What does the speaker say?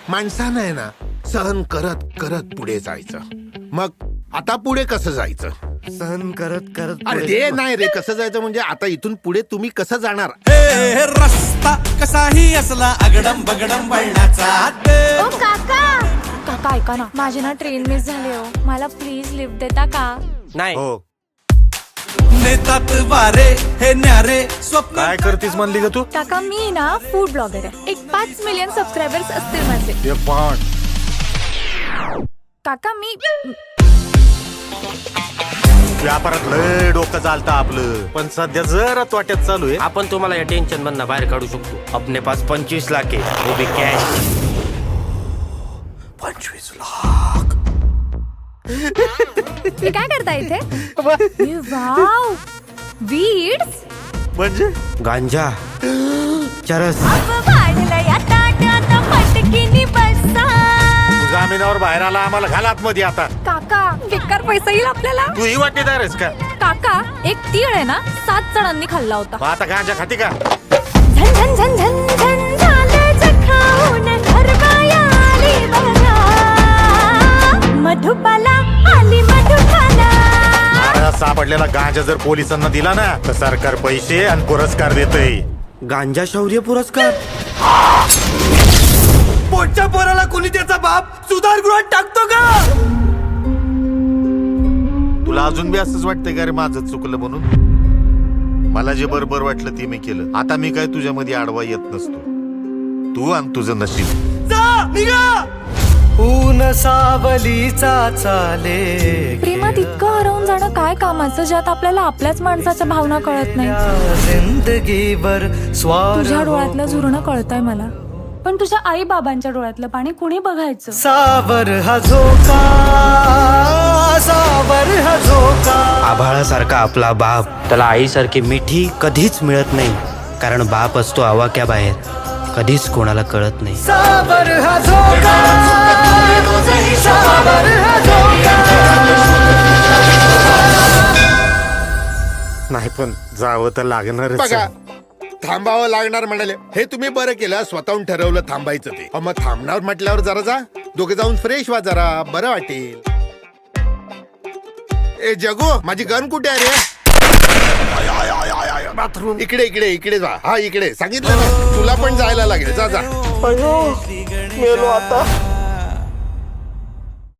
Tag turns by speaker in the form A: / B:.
A: माणसानं आहे ना सहन करत करत पुढे जायचं. मग आता पुढे कसं जायचं?
B: सहन करत करत
A: अरे ते नाही रे, कसं जायचं म्हणजे आता इथून पुढे तुम्ही कसं जाणार?
C: हे रस्ता कसाही असला अगडम बगडम वळणाचा
D: ओ काका काका ऐका ना, माझी ना ट्रेन मिस झाली हो, मला प्लीज लिफ्ट देता का?
B: नाही.
A: हो.
C: नेतात वारे हे न्यारे स्वप्न.
B: काय करतीस म्हणली ग तू?
D: काका मी ना फूड ब्लॉगर आहे. एक 5 मिलियन सबस्क्रायबर्स असतील माझे.
B: ते पण
D: काका मी
B: व्यापारात लय डोकं चालतं आपलं, पण सध्या जरा तोट्यात चालू आहे.
E: आपण तुम्हाला या टेन्शन मधनं बाहेर काढू शकतो. अपने पास 25 लाख आहे, वो भी कॅश.
B: 25 लाख.
D: तुम्ही काय करता इथे? वाव वीड्स
B: म्हणजे
E: गांजा, चरस.
B: जामिनावर बाहेर आला, आम्हाला घालात मध्ये आता.
D: काका बेकार पैसा येईल आपल्याला.
B: तू ही वाटेदार आहेस का?
D: काका एक तीळ आहे ना 7 जणांनी खाल्ला होता.
B: मग आता गांजा खाती का?
D: झन झन झन झन झन झालं जखाऊन घरबाया आली बघा, मधुबाला आली मधुबाला.
B: महाराज सापडलेला गांजा जर पोलिसांना दिला ना तर सरकार पैसे आणि पुरस्कार देतय.
E: गांजा शौर्य पुरस्कार.
C: पोटच्या पोराला कोणी त्याचा बाप सुधारगृहात टाकतो का?
B: तुला अजून बी असंच वाटतंय का रे माझं चुकलं म्हणून? मला जे बरोबर वाटलं ते मी केलं. आता मी काय तुझ्यामध्ये आडवा येत नसतो. तू आणि तुझं नशीब.
C: जा निघा. ऊन सावलीचा चाले,
D: प्रेमात इतकं हरवून जाणं काय कामाचं, ज्यात आपल्याला आपल्याच माणसाच्या भावना कळत नाही.
C: जिंदगीवर स्वार
D: तुझ्या डोळ्यातलं झुरणं कळतंय मला, पण तुझ्या आई बाबांच्या डोळ्यातलं पाणी कुणी बघायचं?
C: सावर हा झोका, सावर हा झोका.
E: आभाळासारखा आपला बाप, त्याला आईसारखी मिठी कधीच मिळत नाही, कारण बाप असतो आवाक्याबाहेर, कधीच कोणाला कळत नाही.
C: सावर हा झोका, सावर हा झोका.
B: नाही पण जावं तर लागणारच.
A: बघा, थांबावं लागणार म्हणाले, हे तुम्ही बरं केलं, स्वतःहून ठरवलं थांबायचं ते. मग थांबणार म्हटल्यावर जरा जा, दोघे जाऊन फ्रेश व्हा, जरा बरं वाटेल. ए जगू, माझी गन कुठे आहे रे?
B: बाथरूम
A: इकडे इकडे इकडे जा. हा इकडे सांगितलं ना, तुला पण जायला लागेल. जा जा.
B: मेलो आता.